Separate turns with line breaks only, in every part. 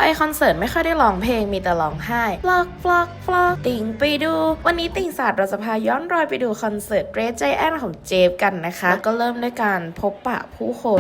คอนเสิร์ตไม่ค่อยได้ร้องเพลงมีแต่ร้องไห้ฟลอกติ่งไปดูวันนี้ติ่งศาสตร์เราจะพาย้อนรอยไปดูคอนเสิร์ต Red Giant ของเจฟกันนะคะแล้วก็เริ่มด้วยการพบปะผู้คน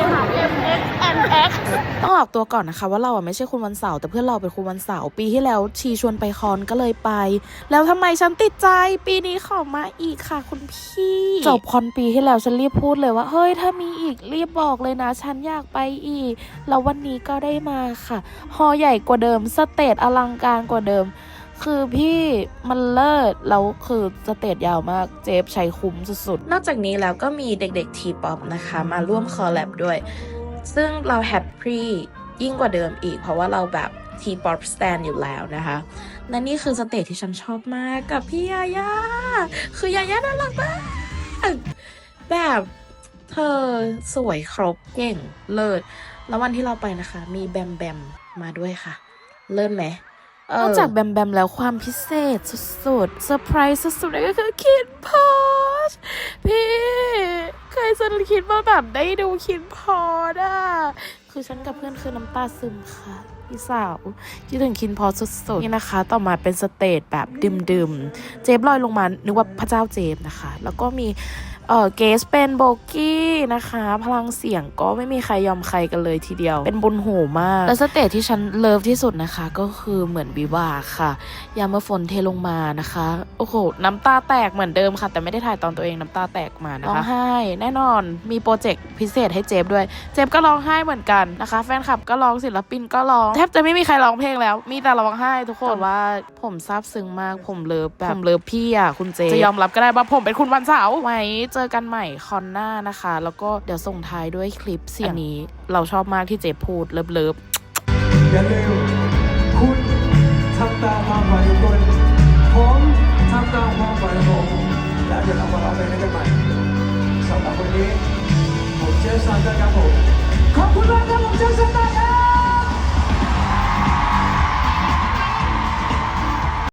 ต้องออกตัวก่อนนะคะว่าเราไม่ใช่คุณวันเสาร์แต่เพื่อนเราเป็นคุณวันเสาร์ปีที่แล้วชีชวนไปคอนก็เลยไปแล้วทำไมฉันติดใจปีนี้ขอมาอีกค่ะคุณพี่จบคอนปีที่แล้วฉันรีบพูดเลยว่าเฮ้ยถ้ามีอีกรีบบอกเลยนะฉันอยากไปอีกแล้ววันนี้ก็ได้มาค่ะฮอลล์ใหญ่กว่าเดิมสเตจอลังการกว่าเดิมคือพี่มันเลิศแล้วคือสเตจยาวมากเจฟใช้คุ้มสุดๆนอกจากนี้แล้วก็มีเด็กๆทีป๊อปนะคะมาร่วมคอลแลบด้วยซึ่งเราแฮปปี้ยิ่งกว่าเดิมอีกเพราะว่าเราแบบทีป๊อปสแตนอยู่แล้วนะคะและนี่คือสเตจที่ฉันชอบมากกับพี่ยาย่าคือยาย่าน่ารักมากแบบเธอสวยครบเก่งเลิศแล้ววันที่เราไปนะคะมีแบมแบมมาด้วยค่ะเลิศไหมนอกจากแบมแบมแล้วความพิเศษสุดๆเซอร์ไพรส์สุดๆเลยก็คือคิดพอชพี่เคยจะคิดว่าแบบได้ดูคิดพอชคือฉันกับเพื่อนคือน้ำตาซึมค่ะพี่สาวคิดถึงคิดพอชสุดๆนี่นะคะต่อมาเป็นสเตจแบบดื่มเจฟลอยลงมานึกว่าพระเจ้าเจฟนะคะแล้วก็มีเกสเป็นโบกี้นะคะพลังเสียงก็ไม่มีใครยอมใครกันเลยทีเดียวเป็นบุญหูมากและสเตจที่ฉันเลิฟที่สุดนะคะก็คือเหมือนวิวาค่ะยามเมื่อฝนเทลงมานะคะโอ้โหน้ำตาแตกเหมือนเดิมค่ะแต่ไม่ได้ถ่ายตอนตัวเองน้ำตาแตกมานะคะร้องไห้แน่นอนมีโปรเจกต์พิเศษให้เจฟด้วยเจฟก็ร้องไห้เหมือนกันนะคะแฟนคลับก็ร้องศิลปินก็ร้องแทบจะไม่มีใครร้องเพลงแล้วมีแต่ร้องไห้ทุกคนว่าผมซาบซึ้งมากผมเลิฟแบบผมเลิฟพี่คุณเจฟจะยอมรับก็ได้ว่าผมเป็นคุณวันเสาร์ไว้เจอกันใหม่คอนหน้านะคะแล้วก็เดี๋ยวส่งท้ายด้วยคลิปเสียงนี้เราชอบมากที่เจฟพูดเลิฟ
อย่าลืมคุณทำตามความฝันของคุณผมทำตามความฝันของผมแล้วเดี๋ยวเรามาร้องเพลงกันใหม่สำหรับวันนี้ผมเจฟสันครับผมขอบคุณมากครับผมเจฟสัน